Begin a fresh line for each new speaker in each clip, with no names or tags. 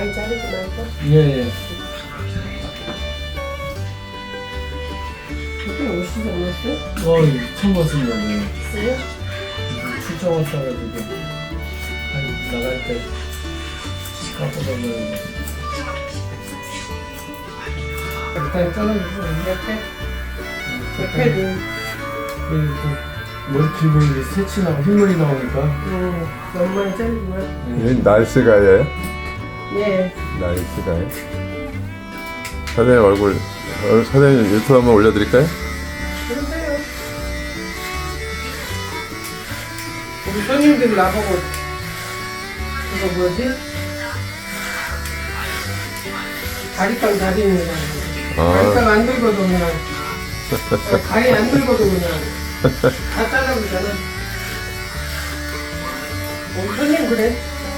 많이 자르지 말고.
예.
그때 오시지 않았어요?
처음 봤습니다. 네.
있어요?
출장 왔어가지고 나갈 때 깎아보면
일단 잘라주고 옆에도
머리 길고 이제 새치 나고 흰머리 나오니까
너무 많이 자르지만.
이 날씨가예요?
예.
날씨가요? 사장님 얼굴 사장님 유튜브 한번 올려드릴까요?
그러세요. 우리 손님들이 나보고 그거 뭐지? 가리빵 달인이라고. 가리빵 안 들고도 그냥 가리 안 들고도 그냥 다 잘라보잖아. 우리 손님 그래.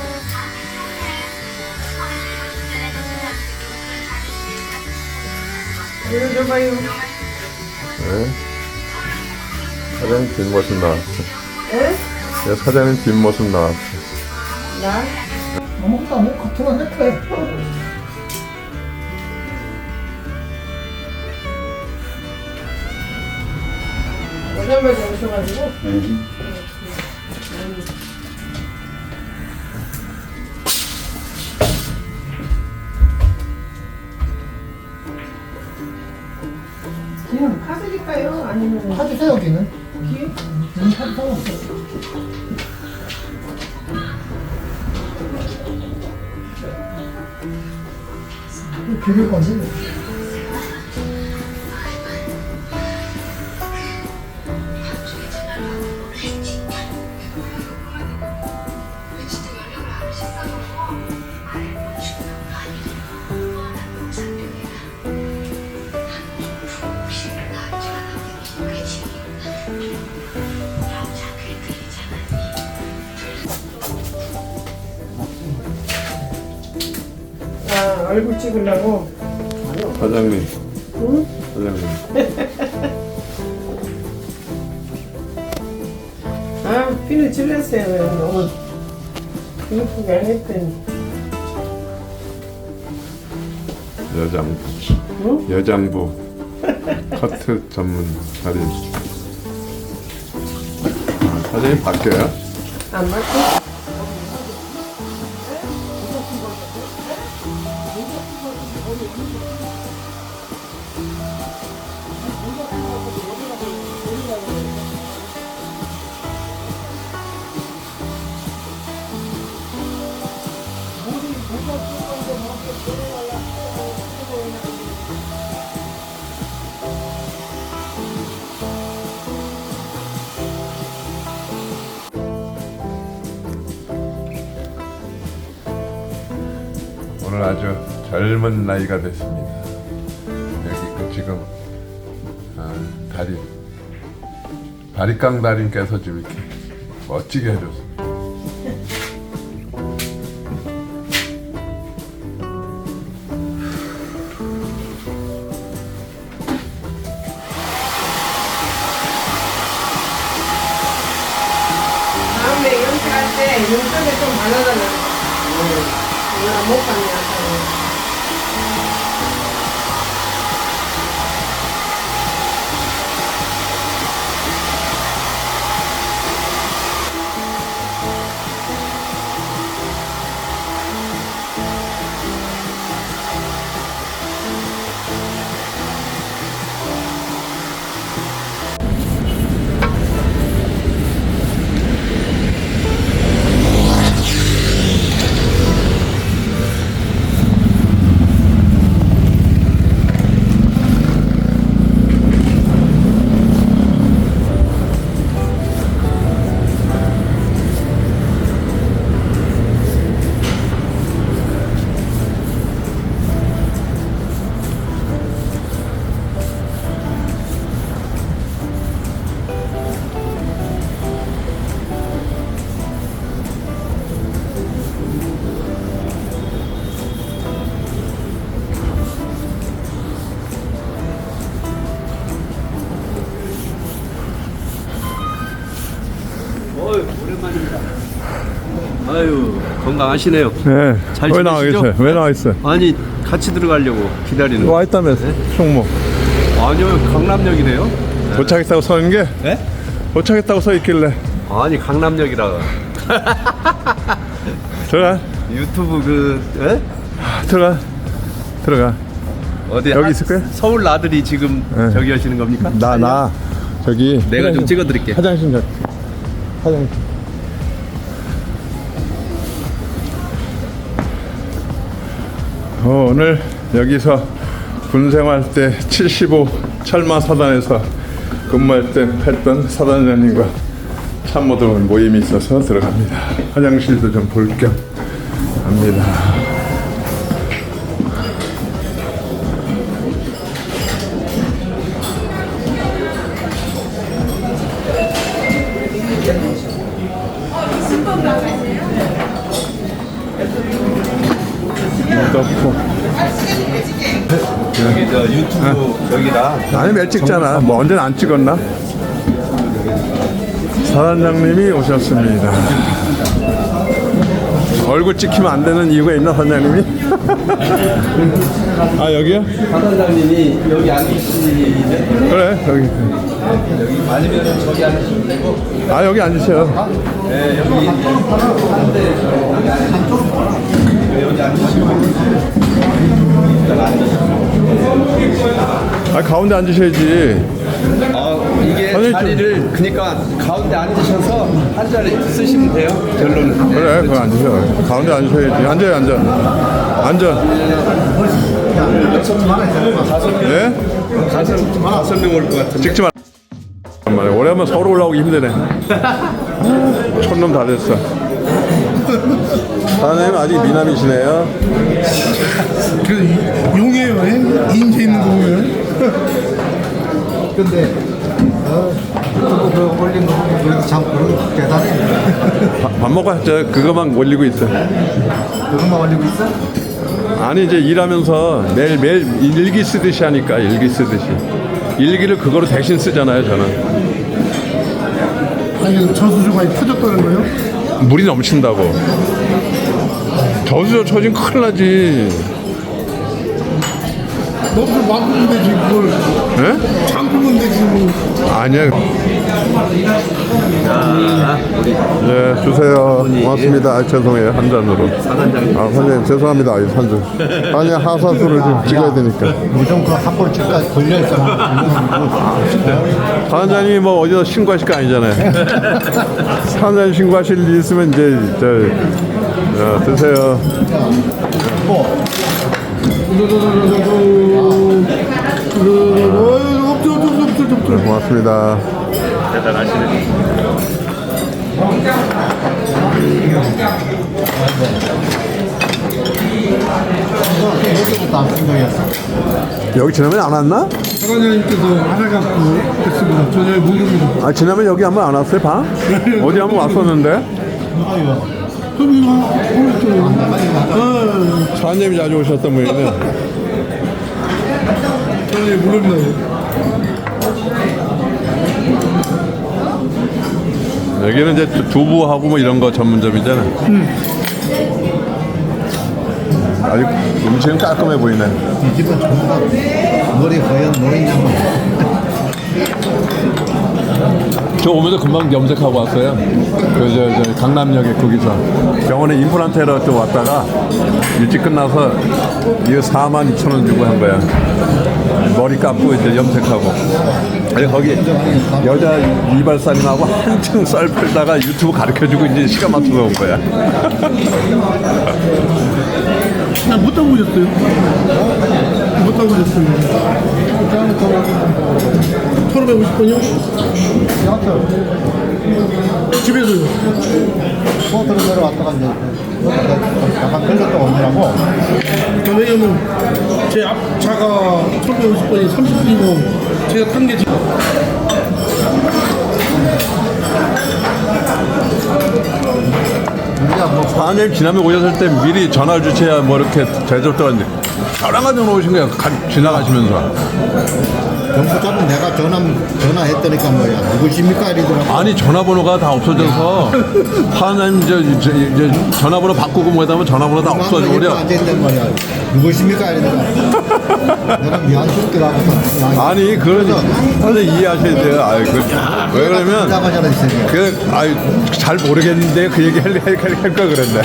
이거 줘봐요.
네. 사장님 뒷모습 나왔어.
에?
네, 사장님 뒷모습 나왔어.
나?
아무것도 안 먹고 같은 할 거야.
오자마자 오셔가지고. 기는 파드릴까요? 아니면
파주세요, 여기는.
기?
파주 상관없어요. 비빌 건지.
아, 얼굴 찍으려고?
사장님.
응?
사장님.
아, 피를 찔렀어요. 너무 예쁘게 안 했더니.
여장부.
응?
여장부. 커트 전문 달인. 사장님 바뀌어요?
안 맞죠?
오늘 아주 젊은 나이가 됐습니다. 여기 그 지금 달인 바리깡 달인께서 지금 이렇게 멋지게 해줬습니다.
다음에 연습할 때 눈썹에 좀 발라달라. 못 봤네, 아까.
건강하시네요.
네.
잘
왜 나와
지내시죠?
계세요? 왜 나와 있어요?
아니 같이 들어가려고 기다리는.
와 있다며 총무.
아니요 강남역이네요.
도착했다고 서 있는 게?
네?
도착했다고 서 있길래.
아니 강남역이라.
들어가.
유튜브 그 에?
들어가.
어디
여기 있을 거야?
서울 나들이 지금
네.
저기 하시는 겁니까?
나 저기
내가 좀 찍어드릴게.
화장실 오늘 여기서 군생활 때 75 철마 사단에서 근무할 때 했던 사단장님과 참모들 모임이 있어서 들어갑니다. 화장실도 좀 볼 겸 합니다. 넣고.
여기 저 유튜브 저기다.
아니 몇 찍잖아. 뭐 언제는 안 찍었나? 사단장님이 오셨습니다. 얼굴 찍히면 안 되는 이유가 있나 사장님이? 아 여기요?
사단장님이 여기 앉으시는데
그래 여기.
여기 아니면 저기 앉으시면 되고.
아 여기 앉으세요.
네 여기 여기 앉으시면.
아 가운데 앉으셔야지.
이게
선생님
자리를 그러니까 가운데 앉으셔서 한 자리 쓰시면 돼요. 결론은.
그래 거기 앉으셔. 가운데 앉으셔야지. 앉아요 앉아. 네?
다섯 명 올 것 같은데.
찍지 마. 오랜만에 오래하면 서울 올라오기 힘드네. 촌놈 다 됐어. 사장님 아직 미남이시네요.
그 용해요, 인재 있는 거 보면. 근데 유튜브 그 올린 거 보면 그래도 참 그런 대단해.
밥 먹고 했죠. 그거만 올리고 있어.
그것만 올리고 있어?
아니 이제 일하면서 매일 일기 쓰듯이 하니까 일기 쓰듯이. 일기를 그거로 대신 쓰잖아요 저는.
아니 저수조 많이 터졌다는 거요?
물이 넘친다고. 저수저 처진 큰일 나지.
너도 막으면 되지 그걸.
예?
잠그면 되지 뭐.
아니야. 네, 주세요. 고맙습니다. 아, 죄송해요. 한 잔으로. 아, 선생님, 죄송합니다. 한 잔. 아니, 하사수를 좀 찍어야 되니까.
무조건 그 한골 집까지 걸려있잖아.
사장님이 뭐 어디서 신고하실 거 아니잖아요. 사장님 신고하실 일 있으면 이제, 드세요. 네, 고맙습니다.
대단하시네.
여기 지나면 안 왔나?
사관장님께서 알아갖고 했습니다. 전혀 모릅니다.
아, 지나면 여기 한번 안 왔어요, 방? 어디 한번 왔었는데?
그럼 이거
사장님이 자주 오셨던 모양이네.
전혀 모릅니다.
여기는 이제 두부하고 뭐 이런 거 전문점이잖아. 아주 음식은 깔끔해 보이네.
이 집은 전부 다 머리 거연 노인양만.
저 오면서 금방 염색하고 왔어요. 저 강남역에 거기서 병원에 임플란테로 또 왔다가 일찍 끝나서 이거 42,000원 주고 한 거야. 머리 감고 이제 염색하고. 아니 거기 여자 이발사님하고 한층 썰 풀다가 유튜브 가르쳐주고 이제 시간 맞춰서 온 거야.
못 타고 오셨어요? 못 타고 오셨어요? 1550번이요? 집에서요?
포트로 내려왔다가 이제 약간 끌렸다 오느라고
왜냐면 제 앞차가 1550번이 30분이고 제가 탄 게 지금
우리가 뭐
사장님 지나면 오셨을 때 미리 전화를 주셔야 뭐 이렇게 제접도 안 돼. 저랑 가지고 오신 거야. 지나가시면서.
경부차는 내가 전화했더니까 뭐야 누구십니까 이러더라고.
아니 전화번호가 다 없어져서 하나님 이제 전화번호 바꾸고 뭐 하면 전화번호 다 없어져 버려.
앉아있단 말이야. 누구십니까 이러더라고. 내가 미안스럽게 나가서
아니 그러니 선생 이해하셔야 돼요. 아이 왜 그러면
나가잖아 이 새끼야.
잘 모르겠는데 그 얘기 할까 그랬네.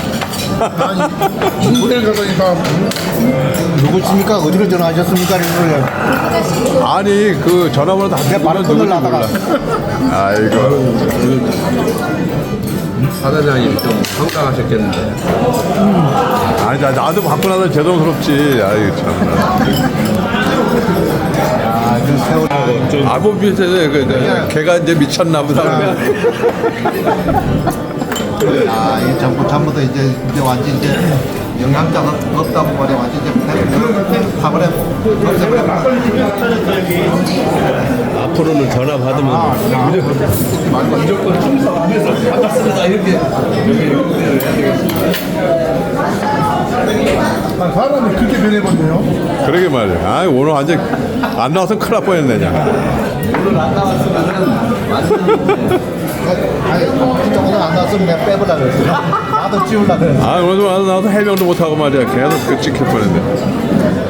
호텔 가다니까
누구십니까 어디로 전화하셨습니까 이러는 거야.
아니 그 전화번호 다
내가 바로
누군지
끊으려다가.
몰라. 아이고.
사단장님 좀 황당하셨겠는데.
아니 나도 받고 나서 죄송스럽지. 아이고 참.
아그 세월.
아뭐 비슷해. 걔가 이제 미쳤나 보다.
아이 전부터 이제 완전 이제 영양자가 없다고 말해 완전 이제 파버려 없애버려.
앞으로는 전화 받으면 무조건 충성하면서 반갑습니다 이렇게.
사람이 그렇게 변해버렸네요.
그러게 말이야. 아 오늘 완전 안 나와서 큰일 날 뻔했네 그냥.
오늘 안 나왔으면은 완전
아니 오늘 안 나왔으면 내가 빼보려고 그랬어. 나도 지우려고 그랬어.
아 오늘 좀 나와서 해명도 못하고 말이야. 계속 그 찍힐 뻔했네.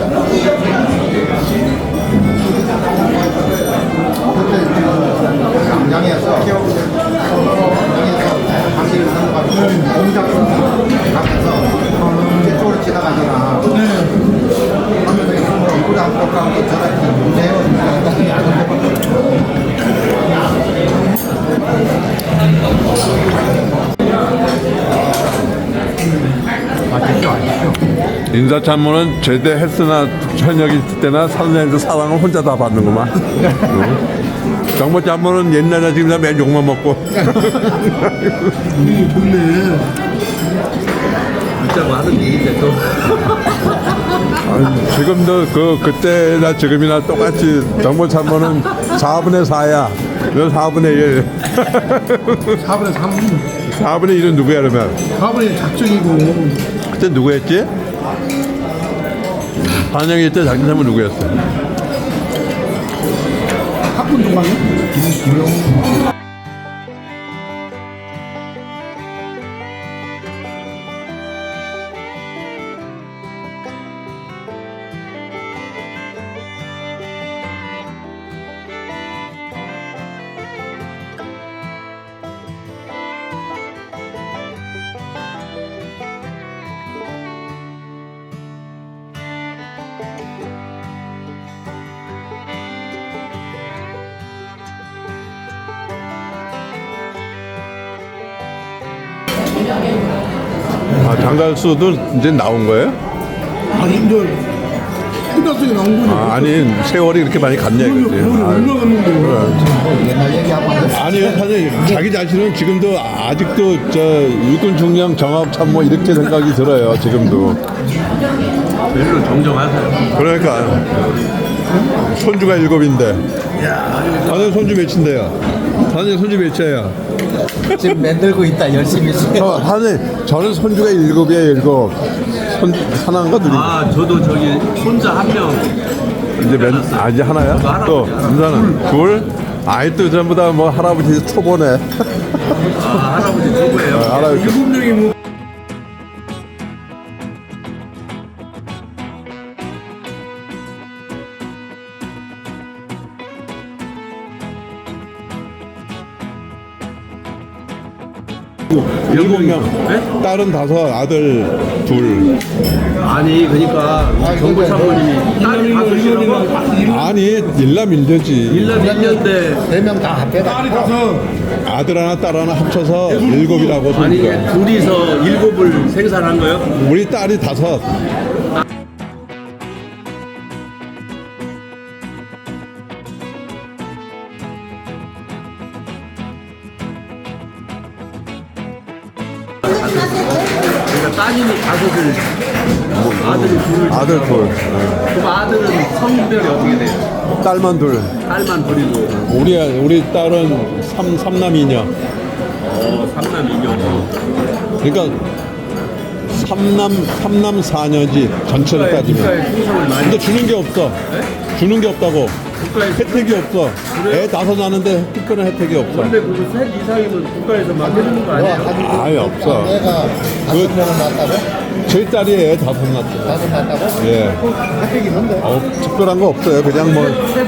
양양에서 당신을 넘어가지고 공장 가면서 이쪽으로 지나가잖아. 하면서 얼굴 안 보고 가고 저렇게 문제요.
인사참모는 제대했으나 현역이 있을 때나 사장님들 사랑을 혼자 다 받는구만. 정보참모는 옛날에 지금 맨 욕만 먹고.
진짜 많은 얘기인데 또.
지금도 그때나 지금이나 똑같이 정보참모는 4분의 4야. 너 4분의 1.
4분의 3,
4분의 1은 누구야 그러면?
4분의 작정이고
그때 누구였지? 반영일 때 장진삼은 누구였어?
학군 동방이요? 김용.
아, 장갈수도 이제 나온 거예요?
아니 이제 끝났으니 나온 거죠.
아, 아니 세월이 그렇게 많이 갔냐 이거지.
올라갔는데
옛날 얘기 한번 해.
아니 사실 자기 자신은 지금도 아직도 저 육군 중령 정합참모 이렇게 생각이 들어요. 지금도.
별로 정정하세요.
그러니까 손주가 7인데. 다들 손주 몇인데요? 다들 손주 몇이에요?
지금 만들고 있다 열심히.
저는 손주가 7이에요. 7. 하나인가 둘인가?
아 저도 저기 손자 한 명.
이제 하나야? 또 인사는 둘. 아이 또 전부 다 뭐 할아버지 초보네.
아 할아버지 누구예요?
할아버지.
7명이 뭐
일곱 명.
네?
딸은 5, 아들 2.
아니 그러니까 정부 참모님이 딸이 5이라고
아니 일남 일녀지.
일남 일년대
4명 다 합해다.
딸이 5.
아들 하나 딸 하나 합쳐서 7이라고
아니
소리가.
둘이서 7을 생산한 거요?
우리 딸이 5.
그러니까 따님이 5을 아들이 2을
아들 2.
그럼 아들은 성별이 어떻게 돼요?
딸만 2.
딸만 2이고
우리 딸은 3남 2녀.
3남 2녀
그러니까 삼남 4년지 전체를 따지면. 근데 주는 게 없어. 주는 게 없다고. 혜택이 없어. 애 5 낳는데 특별한 혜택이 없어.
근데 그거 셋 이상이면 국가에서 막 해주는 거 아니에요?
아예 없어.
내가 5명을 낳았다고?
저희 딸이 애 5 낳았어.
5 낳았다고?
예.
혜택이 있는데?
특별한 거 없어요. 그냥 뭐.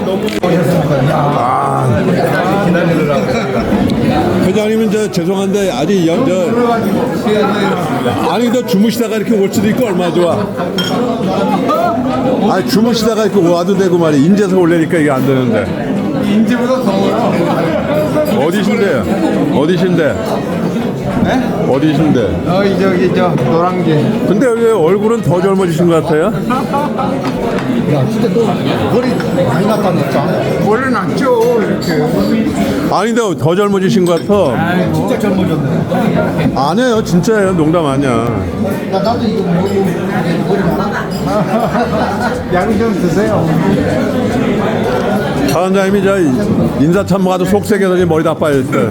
회장님은 저 죄송한데 아직 아니 너 주무시다가 이렇게 올 수도 있고 얼마나 좋아. 아니 주무시다가 이렇게 와도 되고 말이야. 인제서 올래니까 이게 안 되는데.
인지보다 더워요.
어디신데요? 어디신데?
네?
어디신데?
저기 저 노란게.
근데 왜 얼굴은 더 젊어지신 것 같아요?
야, 진짜 너 머리 많이 났다니까.
원래 낫죠 이렇게.
아닌데 더 젊어지신 것 같아.
진짜 젊어졌네.
아니에요. 진짜예요. 농담 아니야.
야, 나도 이거 머리 많아.
양 좀 드세요.
사장님이 저 인사참모 가도 속색에서 머리 다 빠졌어요.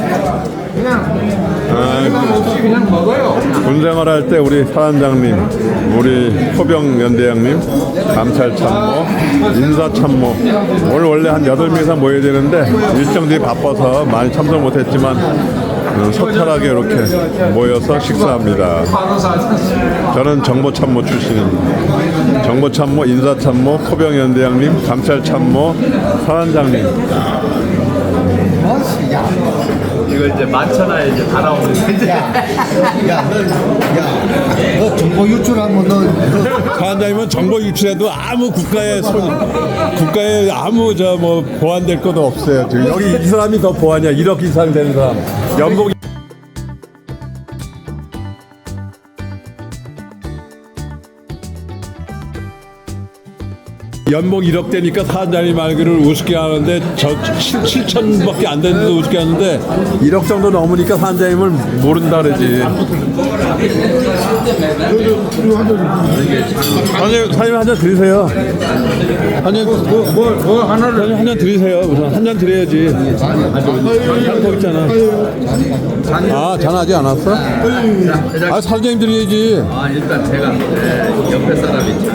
그냥 없이 그냥 먹어요.
군생활 할 때 우리 사단장님, 우리 포병 연대장님, 감찰참모, 인사참모 오늘 원래 한 8명이서 모여야 되는데 일정들이 바빠서 많이 참석 못했지만 소탈하게 이렇게 모여서 식사합니다. 저는 정보참모 출신입니다. 정보참모, 인사참모, 포병 연대장님, 감찰참모, 사단장님.
이거 이제 만천하에 이제 다 나오는데.
너 정보 유출하면 너
사단장님은 정보 유출해도 아무 국가에 아무 저 뭐 보완될 것도 없어요. 지금 여기 이 사람이 더 보완이야. 1억 이상 되는 사람. 연봉 연봉 1억 되니까 사장님 말기를 우습게 하는데 저 7천밖에 안 되는데도 우습게 하는데 1억 정도 넘으니까 사장님을 모른다 그러지. 사장님 한 잔 드리세요. 사장님 한 잔 드리세요. 우선 한 잔 드려야지. 잔 있잖아. 아, 잔 아직 안 왔어? 아, 사장님 드려야지.
아 일단 제가 옆에 사람이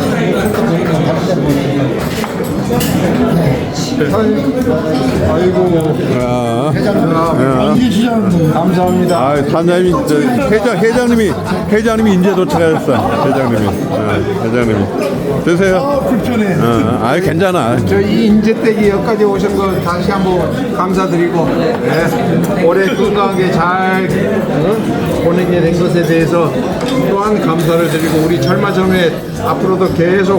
감사합니다.
아, 사장님이 회장님이 인제 도착하셨어. 회장님이 드세요.
불편해.
아, 괜찮아.
저이 인재댁이 여기까지 오신 거 다시 한번 감사드리고 올해 건강하게 잘 보내게 된 것에 대해서 또한 감사를 드리고 우리 철마점에 앞으로도 계속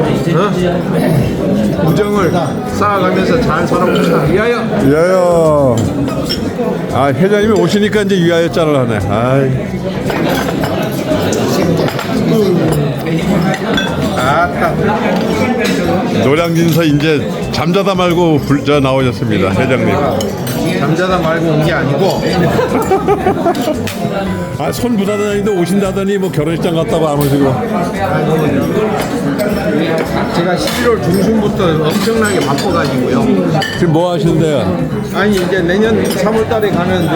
우정을 쌓아가면서 잘 살아봅시다. 위하여.
위하여. 아, 회장님이 오시니까 이제 위하여 짤을 하네. 아이. 노량진서 이제 잠자다 말고 나오셨습니다. 회장님.
잠자다 말고 온 게 아니고
아, 손 부사단인데 오신다더니 뭐 결혼식장 갔다고 안 오시고.
제가 11월 중순부터 엄청나게 바빠가지고요.
지금 뭐 하시는데요?
아니 이제 내년 3월 달에 가는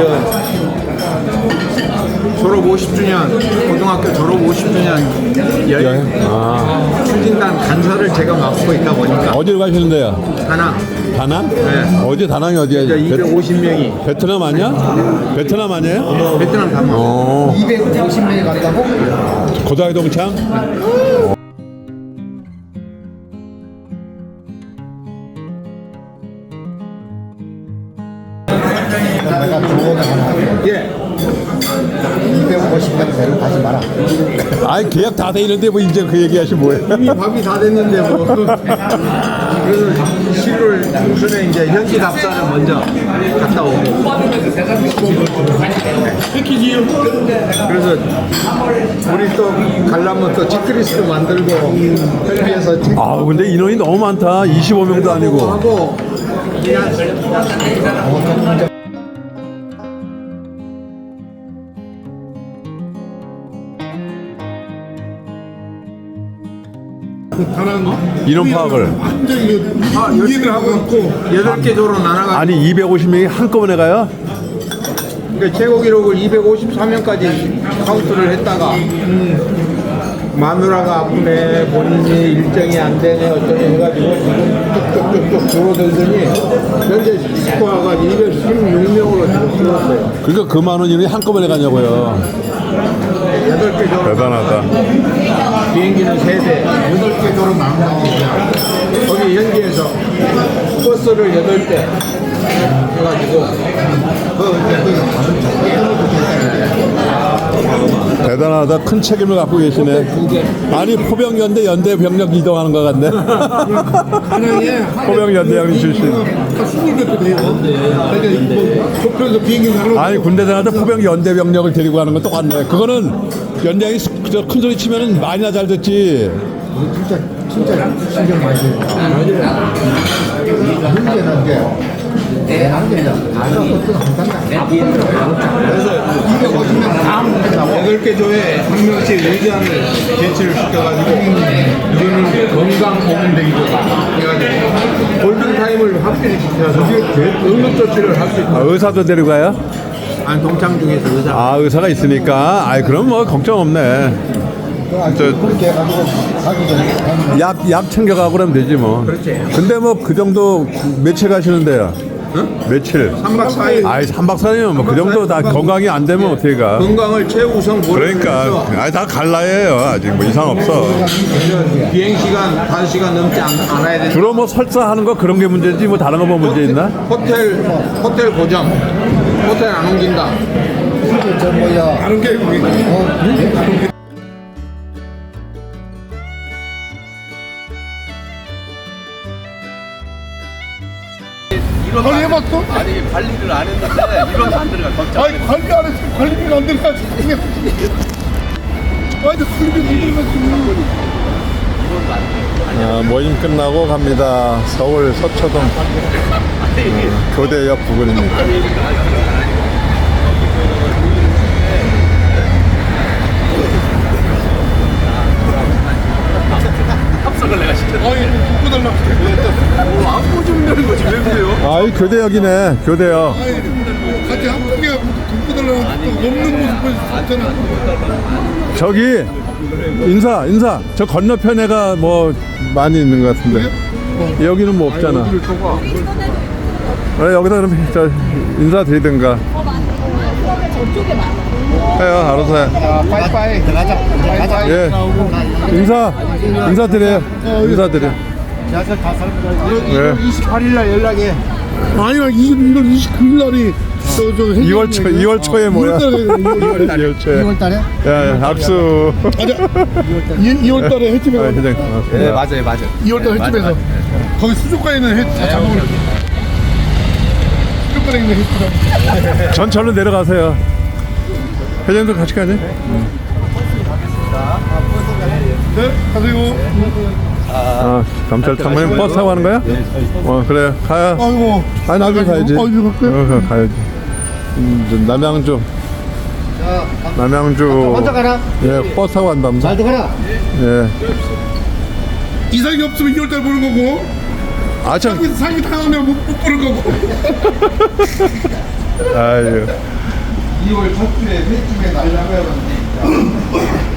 졸업 50주년 고등학교 졸업 50주년 여행 추진단 간사를 제가 맡고 있다 보니까
어디로 가시는데요? 다낭?
네.
어디 다낭이 어디야?
250명이
베트남 아니야? 베트남 아니에요?
베트남 다낭
250명이 간다고?
고다이 동창?
내가 조언을 하나 할게. 250명 데리고 가지 마라.
아이, 계약 다 돼 있는데 뭐 이제 그 얘기 하시면 뭐해?
이미 밥이 다 됐는데 뭐 그래서 11월 중순에 이제 현지 답사를 먼저 갔다 오고 그래서 우리 또 가려면 또 체크리스트 만들고 현지에서
아, 근데 인원이 너무 많다. 25명도 아니고.
하고
인원 파악을.
열심히 하고 있고 8개 조로 나눠가지고
아니, 250명이 한꺼번에 가요?
그 최고 기록을 253명까지 카운트를 했다가 마누라가 아프네, 본인이 일정이 안 되네, 어쩌네 해가지고 지금 쭉쭉쭉쭉 줄어들더니 현재 스코어가 216명으로 지금 줄었어요.
그러니까 그 많은 일이 한꺼번에 가냐고요.
8개 조로
대단하다.
비행기는 3대, 8개 조로 나온다고. 거기 현지에서 버스를 8대 해가지고
대단하다. 큰 책임을 갖고 계시네. 아니 포병연대 연대 병력 이동하는 것 같네. 포병연대장님 출신. 아니 군대 다닐 때 포병연대 병력을 데리고 가는 건 똑같네. 그거는 연대장이 큰 소리 치면은 말이나 잘 듣지.
진짜 신경 많이 써요. 문제는 게 한계냐. 어떤 한단다. 그래서
8개 조에 한 명씩 의장을 배치를 시켜가지고 이거는 건강 보건대기조다 해가지고 골든타임을 확실히 시켜서 응급조치를 할 수 있다.
의사도 데리고 가요?
아니 동창 중에서 의사.
아 의사가 있으니까. 아이 그럼 뭐 걱정 없네.
그렇게 해가지고 가기 전에
약 챙겨가고 그러면 되지 뭐.
그렇지.
근데 뭐 그 정도 며칠 가시는데요? 며칠?
3박 4일
아이 3박 4일이면 뭐 그 정도 다 건강이 안 되면 어떻게 가?
건강을 최우선
그러니까 아이 다 갈라예요. 아직 뭐 이상 없어.
비행시간 5시간 넘지 않아야 되는
주로 뭐 설사하는 거 그런 게 문제지 뭐 다른 거 뭐 문제 있나?
호텔 고정 호텔 안 옮긴다.
저 뭐야 다른 게
관리 해봤어? 아니 관리를 안 했는데 이런 안 들어가 걱정.
아니 관리 안 했어. 관리비가 안 들어가. 아니 관리비가 안 들어가.
아, 모임 끝나고 갑니다. 서울 서초동 교대역 부근입니다.
합석을 내가 시켰는데. 아니 묶고 달라. 안고 준다는 거지 왜 그래요?
아, 이 교대역이네. 교대역.
같이 한국에 묶고 달라는 없는 모습 보여줬잖아.
저기 인사. 저 건너편에가 뭐 많이 있는 것 같은데. 여기는 뭐 없잖아. 여기다 그럼 저 인사드리든가. 해요, 알아서 해.
빠이빠이 들어가자.
예. 인사드려요. 인사드려. 예.
28일 날 연락해.
아니야 이걸 29일 날이
2월 초에 뭐야? 2월 초에.
2월 달에
야, 악수.
2월 달에
아,
횟집에
회장.
네 맞아요.
2월 달 횟집에서 거기 수족관에 있는 횟 다 잡아오려 수족관에 있는 횟집
전철로 내려가세요. 회장도 같이 가지?
네 가세요.
아, 감찰 탐문이 버스 타고 가는 거야? 그래, 가요.
아이고
아니, 나중에 가야지.
아이고 갈게요.
가야지. 남양주.
먼저 가라.
예, 버스 타고 간다면서.
잘 들어가라.
예.
이상이 없으면 2월 달 보는 거고
아, 참.
상이 당하면 못 보는 거고.
아유.
2월 첫 주에 횟집에 날라가야